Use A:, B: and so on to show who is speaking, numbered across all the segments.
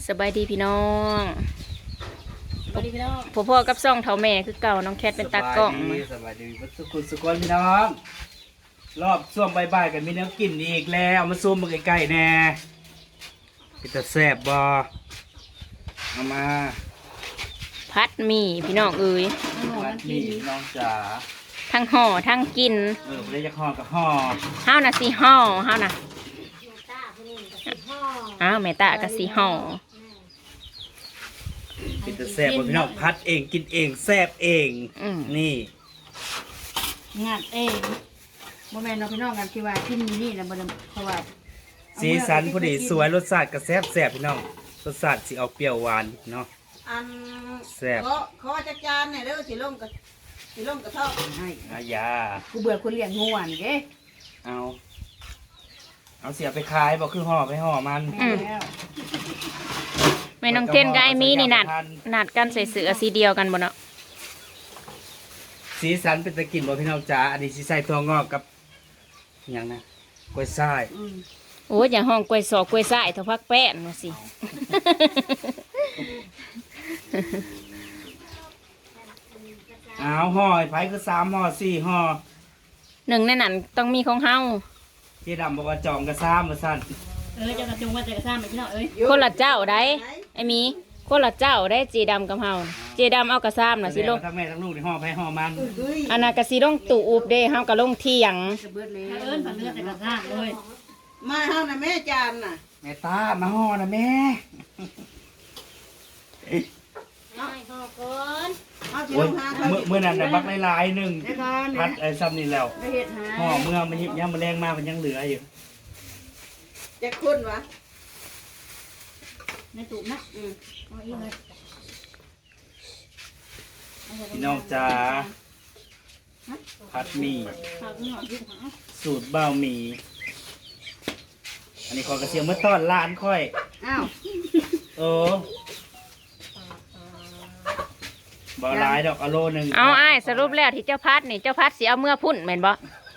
A: สบายดีพี่น้อง
B: สวัสดีพี่น้อง
A: พ่อกับซ่องเท่าแม่คือเก่าน้องแคทเป็นตากล้อง
C: สบายดีสุขุนสุขนพี่น้องรอบช่วงบ่ายๆกันมีเนื้อกินอีกแล้วเอามาซูมมาใกล้ๆแน่เป็นตาแซ่บบ่เอามา
A: พัดหมี่พี่น้องเอ้ย
C: มัดนี่น้องจ๋า
A: ทั้งห่อทั้งกิน
C: ไม่ได้จะห่อกับห่อ
A: ห้าวน่ะสีห่อห้าวน่ะอ้าวแม่ตาก็สีห่อ
C: เป็นตาแซ่บบ่พี่น้องพัดเองกินเองแซ่บเองนี่
B: งัดเองโมแมนเราพี่น้องกันที่ว่าที่นี่นะบ่ได้เพราะว่า
C: สีสันพอดีสวยรสชาติก็แซ่บพี่น้องรสชาติสิออกเปรี้ยวหวานเนาะ
D: อัน
C: แซ่บ
D: ขอจักจานเนี่ยเด้อสิลงกระทอกให้
C: อายา
B: กูเบื่อคนเลี้ยงงูนี่เด้
C: เอาเสียไปขายบอกคือห่อไปห่อมัน
B: แล้ว
A: แม่น้องเทนกับไอ้มีนี่นัดกันใส่เสื้อสีเดียวกันบ่เนาะ
C: สีสันเป็นตะกินบ่พี่น้องจ๋าอันนี้สิใส่ตัวงอกกับอหย่างนะกล้วยทราย
A: โอ้ยอย่าห้องกล้วยสอกกล้วยส้ายเท่าพักแป้นมาสิ
C: เอาห่อไผ่คือ3ห่อ4ห่อ
A: หนึ่งในนั้นต้องมีของเฮา
C: พี่ดำบอกว่าจองกระซ้ำมาสั่น
B: เจ้ากระจุงว่าจะกระซ้ำไปพี่น้องเอ้ย
A: คนละเจ้าได้ไอ้มีคนละเจ้าได้เจดำกับเฮาเจดำเอากระซ้ำน่ะสิลง
C: ทั้งแม่ทั้งลูกในห่อไผ่ห่อมัน
A: อันนั้นก็สิลงตู่อุบเด้เฮาก็ลงเที่ยง
B: จะเบิดเลยเอิ้นผ่านเลือดแต่กระซ้ำเลย
D: มาเฮาน่ะแม่จานน่ะ
C: แม่ตามาห่อนะแม่
D: เอาสิ
C: โอ้
D: ล
C: ย
D: งหาเขา
C: เมื่อนั้นน่ะบักหลายๆหนึ่ง
B: ได้ก่อน
C: พัดไอ้ซ้ำนี่แล้ว
B: ได้เฮ็ดหา
C: ห่อเมื่อมันยังมาแรงมากมันยังเหลืออยู่
D: จะคุณวะ
B: ในตู้นะเอาอีกเลย
C: พี่น้องจ๋าพัดหมี่
B: ฝากพี่น้องยึดหา
C: สูตรบ้าวหมี่อันนี้ขอกระเทียมเมื่อต้อนร้านค่อย
B: อ้าว
C: โอ้บ่หลายดอกอะโลหนึ่ง
A: เอาอ้ายสรุปแล้วที่เจ้าพัดนี่เจ้าพัดสิเอาเมื่อพุ่นแม่นบ่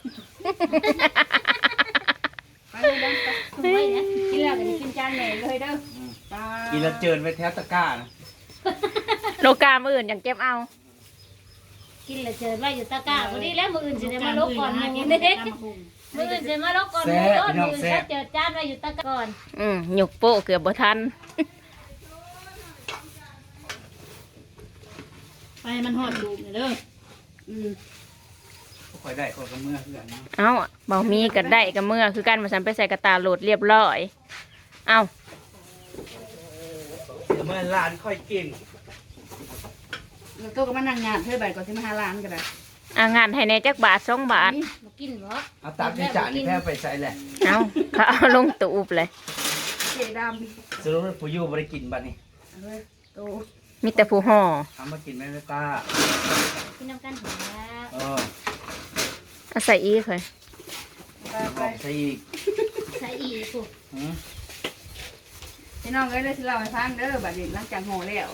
B: ไปเลยเด้อไปนะกินแล้วก็กินจานแม่เลยเด้อ
C: กินแล้วเจินไปแถวตะกร้านะ
A: โลกามื้ออื่นยังเก็บเอา
E: กินแล้วเจอไว้อยู่ตะกร้าพอดีแล้วมืออื่นสิได้มาลบก่อนหมูเด้มืออื่นสิมาลบก่อนหมูก่อนมืออื่นเขาเจอจานไว้อยู่ตะกร้าก่อน
A: หยุกโป้เกือบบ่ทัน
B: ไปมันหอดดูเด้อ
C: ค่อยได้ค่อยก็เมื่อเพื่อนเนาะ
A: เอ้าเบามีก็ได้ก็เมื่อคือกันมาสันไปใส่กระตาโหลดเรียบร้อย เอ้า
C: เดี๋ยวเมื่อร้านค่อยกิน
B: แล้วตัวก็มานั่งงานเพื่อใบก่อนที่มาหาร้านกันเลย
A: งานให้ในจักบาท2 บาท
E: มากินบ่
C: เอาตักที่จานนี่แพ้ไปใส่แหละ
A: เอ้าเขาเอาลงตูบเลย
B: เจดำ
C: สรุปว่าผู้อยู่บริกินบัดนี้
B: เลยโต
A: มีแต่ผู้ห่อ
C: ทำมากินแม่ไม่ตา
E: กินน้ำกันหัว
C: เออ
A: เอาใส่อีกเลย
C: หอมใส่อีก
E: ใส่อีกปุ๊บ
C: หืม
B: พี่น้องเอ้ยเลยที่เราให้ฟังเด้อบัดนี้หลังจากห่อแล้ว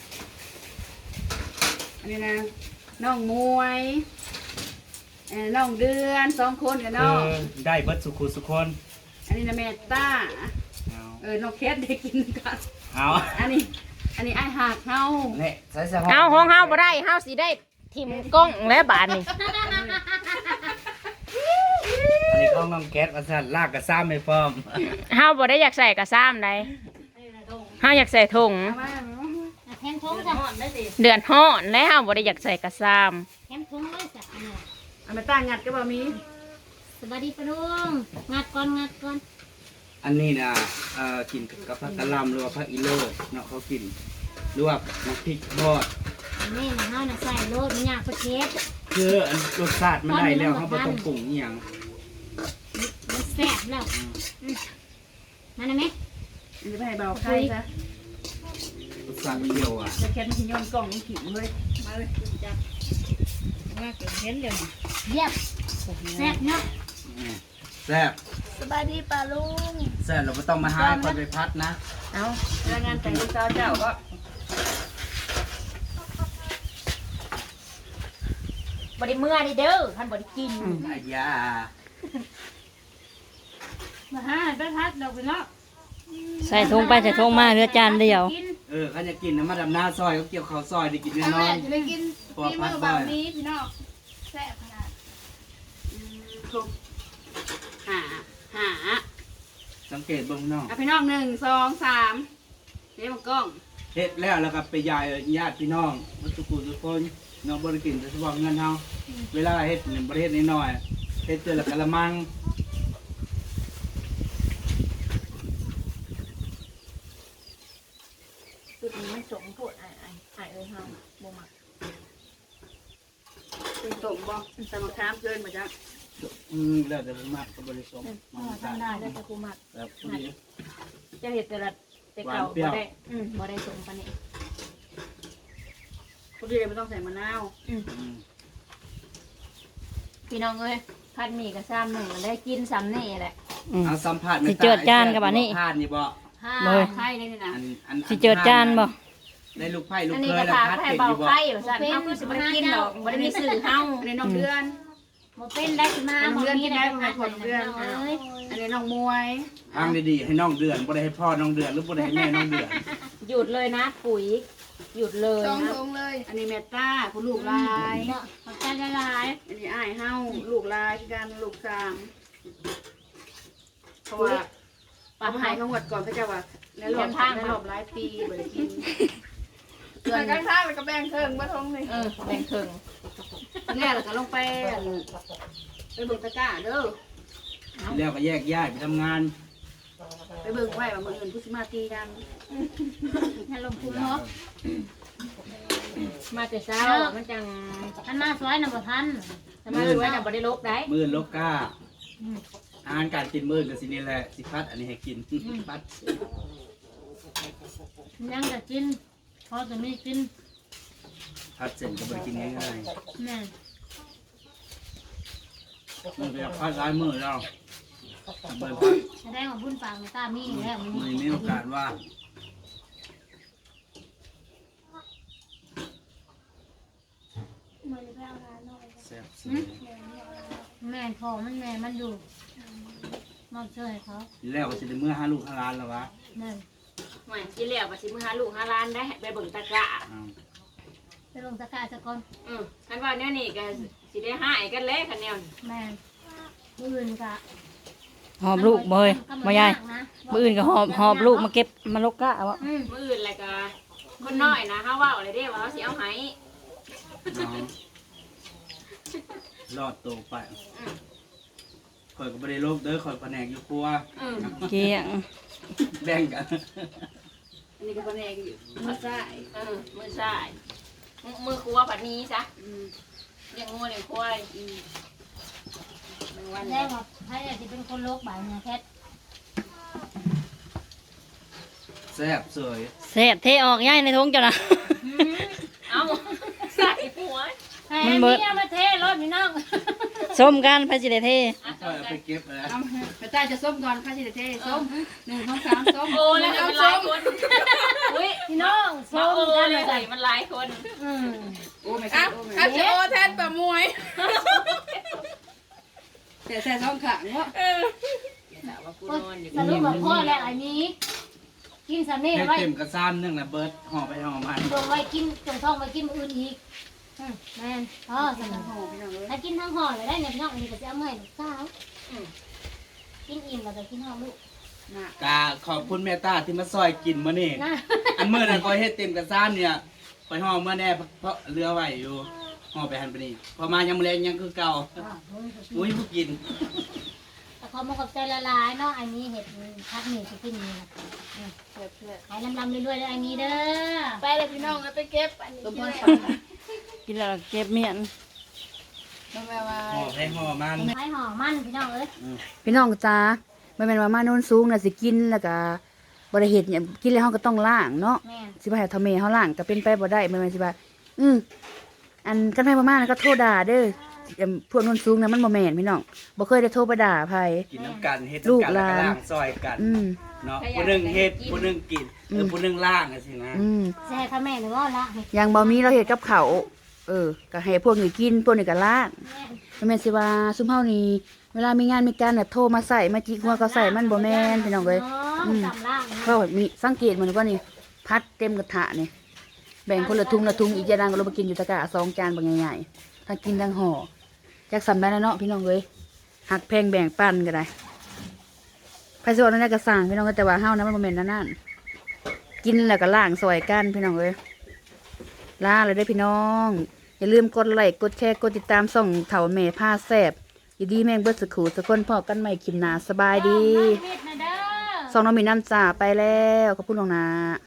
B: อันนี้นะน้องมวยน้องเดือน2 คนกับน้อง
C: ได้เบิดสุขุสุคน
B: อันนี้นะแม่ต้า
C: เอา
B: น้องแคทได้กินกัน
C: เอา
B: อันนี้ไอ้หักเฮา
C: เนี่ยใส่ใส่
A: เอาห้องเฮาบ่ได้เฮาสิได้ทิมกล้องและบาทนี่
C: อันนี้เขาน้องแก๊สมาสั่นลากกระซ้ำไม่พร้อม
A: เฮาบ่ได้อยากใส่กระซ้ำใดเฮาอยากใส่ถุง
B: เอามา
E: แทงทงจ้ะ
A: เดือนฮ้อนและเฮาบ่ได้อยากใส่กระซ้
E: แทงทงเลยจ้ะ
B: เอามาตั้งงัดก็บ่มี
E: สวัสดีปะลุงงัดก่อนงัดก่อน
C: อันนี้นะกินกับผักกะหล่ำหรือว่าผักอีโลเนาะเขากินหรือว่าน้ำพริกทอด
E: นี่นะเฮาน่ะใส่โลดมันยากประเทศ
C: คืออันรสชาติมันได้แล้วเขาบ่ต้องปรุงอหย่าง
E: มันแซ่บแล้วมาได้ไหม
B: อันนี้ไปให้เบาไข่ซะ
C: รสชาติเปรี้ยวอ่ะ
B: จะแคทมันสิย้อนกล่องมันขิงเลยมาเลยจับว่าเกิดเห็นเดี๋ยวนี้
E: เยี่ยมแซ่บเนาะ
C: อืมแซ่บ
E: สบายดีป่าลุง
C: แซ่บเราไม่ต้องมาหาคนไปพัดนะ
A: ำเอา
B: แล้วงานแต่งลูกสาวเจ้าก็
A: บ่ได้เมื่อนี่เด้อท่านบ่ได้กิน
C: อายา
B: มาหาไปพัดเราไปเนาะ
A: ใส่ถุงไปใส่ถุงมาเหลือจานเดียว
C: เขาจะกินน้ำมันดำหน้าซอยเขาเกี่ยวข้าวซอยได้กินแน่นอ
B: แม่
C: น
B: จะได้กิน
C: ปอ
B: ฝี
C: พั
B: มื
C: ด
B: อ
C: บ่
B: แบ
C: อบ ย
B: นี้พี่น้องแซ่บขนาดถูกหา
C: สังเกตเบิ่งน้อง
B: อ่ะพี่น้อง1 2 3เดี๋ยวมันกล้อง
C: เฮ็ดแล้วก็ไปยายญาติพี่น้องวัตถุกุทุกคนน้องบ่ได้กินแต่เฉพาะเงินเฮาเวลาเฮ็ดนี่บ่ได้เฮ็ดน้อยๆเฮ็ดเทื่อละกะละมัง
A: สุดนี้มันสมโพดไอ้เอ้ยเฮาบ่มัก
B: เป็นสมบ่สมครามเกินมาจ้ะ
C: แล้วแต่มันมากก็บ่ได้สมมัน
A: ทำได้แต่กูมัก
C: แบบนี้
A: จะเห็ดแต่เก่า
C: หวานเปรี้ยว
A: บ่ได้สมปานนี้
B: คนที่ไม่ต้องใส่มะนาว
A: พี่น้องเอ้ยพัดหมี่กับซ้ำหนึ่งได้กินซ้ำนี่แหละ
C: เอาสัมผัส
A: สิเจิดจานกับอันนี้
C: พานนี่บ่
A: เลย
B: ไข่เลยนี่นะ
C: อัน
A: สิเจิดจานบ่
C: ได้ลูกไผ่ลูก
A: อันนี้
C: เค
A: ก็
C: ยแล้ว
A: ถาม
C: พัด
A: ให้
C: เป็ด
A: เบา
C: อยู่บ่
A: ไข่ว่าซั่นเฮาคือสิบ่ได้กินดอกบ่ได้มีสื่อเฮา
B: อันนี้น้องเดือน
E: บ่เป็นได้สิมาบ่มีได้มาขอเพื่อน
B: อันนี้น้องมวย
C: ทางดีๆให้น้องเดือนบ่ได้ให้พ่อน้องเดือนหรือบ่ได้ให้แม่น้องเดือน
A: หยุดเลยนะปุ๋ยหยุดเลย
B: สอง
A: นะ
B: ทงเลย อันนี้เมตตาผู้ลูกลาย
E: ขอบใจหลาย
B: อันนี้อ้ายเฮาลูกลายกันลูกสามเพราะว่าป้าหายเขาหมดก่อนเขาจะว่าในรอบหลายปีบ่ได้กิน
D: เกินกันข้างแล้วก็แบ่งเครื่องบ่ทงนี่
A: แบ่งครึ่ง
B: แน่แล้วก็ลงไปเบิ่งตะกร้าเด้อ
C: แล้วก็แยกย้ายไปทำงาน
B: ไปเบิ่งไว้ว่ามื้ออื่นผู้สิมาตีกัน
E: ๆให้ลงทุนเนาะ
A: มาแต่เช้ามันจัง
E: ทันมาสวยน่ะบ่ทัน
A: ทำไมรู้ว่าจะบ่ได้ลบได้
C: มื้อลบก้าอาหารการกินมื้อก็สินี่แหละสิพัดอันนี้ให้กินพัด
E: ยังจะกินพอจะมีกิน
C: พัดเสร็จก็บ่ได้กินง่าย
E: แม่
C: ๆมันก็พัดหลายมื้อแล้วเบิ่งพัด
E: แสดงว่าบุญปากตามีแล้วมึง
C: มื้อนี้มีโอกาสว่างแซ่บสุด
E: แม่พอมันแม่มันอยู่มอบเชื่อให้เขา
C: แล้วก็สิได้มื้อหาลูกหาหลานแล้ววะ
E: นั่น
A: หม่กินแล้วว่าสิมื้อหาลูกหาหลานได้ไปเบิ่งตะกร้า
C: อ้าว
E: ไปลงตะกร้าซะก่อน
A: คันว่าแนวนี้ก็สิได้หายกันแล้วคันแนวนี้
E: แม่อื่นกะ
A: หอบลูกบ่เฮ้ยบ่ยายมื้ออื่นก็หอบลูกมาเก็บมาลกกะวะ มื้ออื่นแล้วก็คนน้อยนะเฮาเว้าเลยเด้ว่าเฮาสิเอาให้
C: น้องรอดตัวไปข่อยก็บ่ได้ลบเด้อข่อยแผนกอยู่ครัว
A: เกี้ยง
C: แบ่งกัน
B: อันนี้ก็แผนกอยู่มาใส่
A: มื้อซ้ายมือครัวผัดนี้ซะเลี้ยงงัวเลี้ยงควาย
B: วัน
E: แสดงว่าใครจะเป็นคนโลกบ่ายเนี่ยแคท
C: แซ่บสวย
A: แซ่บเทออกย่ายในท้องจ้ะนะเอาใส่หัว
E: ให้อันนี้เอามาเทรถพี่น้อง
A: ส้มกันพระสิได้เท
C: ข่อยเอาไปเก็บแล้ว
B: เอาไปใต้จะส้มก่อนข้าสิเทส้ม1 2 3ส้ม
A: โอ้แล้วมันหลายคนอุ้ย
E: พี่น้องส้ม
A: โอ้
E: กัน
A: เล
E: เลย ย
A: ใส่มันหลายคน
B: โอ้ไม่ใช่โอ้
D: อา
B: ไม่
D: จจะโอแทนปะมวย
B: แต่ใส่ท้องขาเนาะ
A: แต่ว่ากูนอนอยู่
E: สรุปว่าพ่อแล้วอันนี้ กินสำเนีย
C: ให้
E: ไว้
C: เต็มกระซ้ำนึงนะเบิร์ดห่อไปห่อมา
E: ตรงไว้กินตรงท้องไว้กินมื้ออื่นอีกแม่นอ๋อสำนัก
B: โอ้พี่น้องเอ้ย
E: ถ้ากินทั้งห่อเลยได้เนี่ยพี่น้องอันนี้ก็จะเอามาให้ลูกสาวกินอิ่มแล้วก็กินห่อลูก
B: น่ะ
C: กาขอบคุณแม่ตาที่มาซอยกินมื้อนี้
E: นะ
C: อันมื้อนั้นก็เฮ็ดเต็มกระซ้ำเนี่ยไปห่อเมื่อแน่เพราะเรือไว้อยู่ห่อไปหันไปนี่พอมายามแลงยังคือเก่าอุ้ยผู้กิน
E: แต่ขอมาขอบใจละลายเนาะอันนี้เห็ดพักหมี่จะกินนี่นะขายลำๆเรื่อยๆเลยอันนี้เด้อ
D: ไปเลยพี่น้องเอาไปเก็บอันนี้
B: ต้ม
D: กิ
B: พ
D: น
B: ร
D: เลย
B: ฝัน
A: กินแล้วเก็บเมียน
B: น้องแม่ว่า
C: ห่อให้ห่อมัน
E: ขายห่อมันพี่น้องเอ้ย
B: พี่น้องจ้าไม่เป็นว่ามาโน่นสูงน่ะสิกินแล้วก็บ่ได้เฮ็ดหยังกินแล้วเฮาก็ต้องล้างเนาะ
E: แม่
B: สิบ่ให้ทำเมเฮาล้างก็เป็นไปบ่ได้แม่นสิว่าอันกันไปบ่มาแล้วก็โทรด่าเด้อพวกโน่นสูงน่ะมันบ่แม่นพี่น้องบ่เคยได้โทรไปด่าไผ
C: กินน้ำกันเฮ็ด
B: ลูก
C: น้ำกัน
B: ห
C: แล้ว
B: ลาน
C: ก็ล้างซอยกัน
B: อืม
C: เนาะผู้หนึงเฮ็ดผู้หนึงกินผู้หนึงล้างจังซี่นะ
B: อืม
E: แซ่ข้าแม่หรือว่าละเห็ด
B: อย่างบ่มีเราเฮ็ดกับเขาวก็ให้พวกนี้กินพวกนี้ก็ล้าง
E: แม่
B: แม่นสิว่าซุมเฮานี่เวลามีงานมีการน่ะโทรมาใส่มาจิกหัวก็ใส่มันบ่แม่นพี่น้องเอ้ย
E: อ๋อองสำล่างนะ
B: เพราะว่ามีสังเกตมันว่านี่พัดเต็มกระทะนี่แบ่งคนละทุงอีกจานก็ลงมากินอยู่ตะกร้า2 จานบางใหญ่ๆทั้งกินทั้งห่อจักสำได้แล้วเนาะพี่น้องเอ้ยหักแพงแบ่งปันก็ได้ไผสิว่านั่นก็สั่งพี่น้องแต่ว่าเฮานะมันบ่แม่นนั่นกินแล้วก็ล้างซอยกันพี่น้องเอ้ยลาเลยเด้อพี่น้องอย่าลืมกดไลค์กดแชร์กดติดตามส่องเถาแม่ผ้าแซ่บอยู่ดีแม่งเบิดสุขุสักคนพอกันใหม่คลิปหน้าสบายดี
E: น้องมิดนะเด้อ
B: ส่องน้องมีน้ำจ่าไปแล้วขอบคุณน้องนา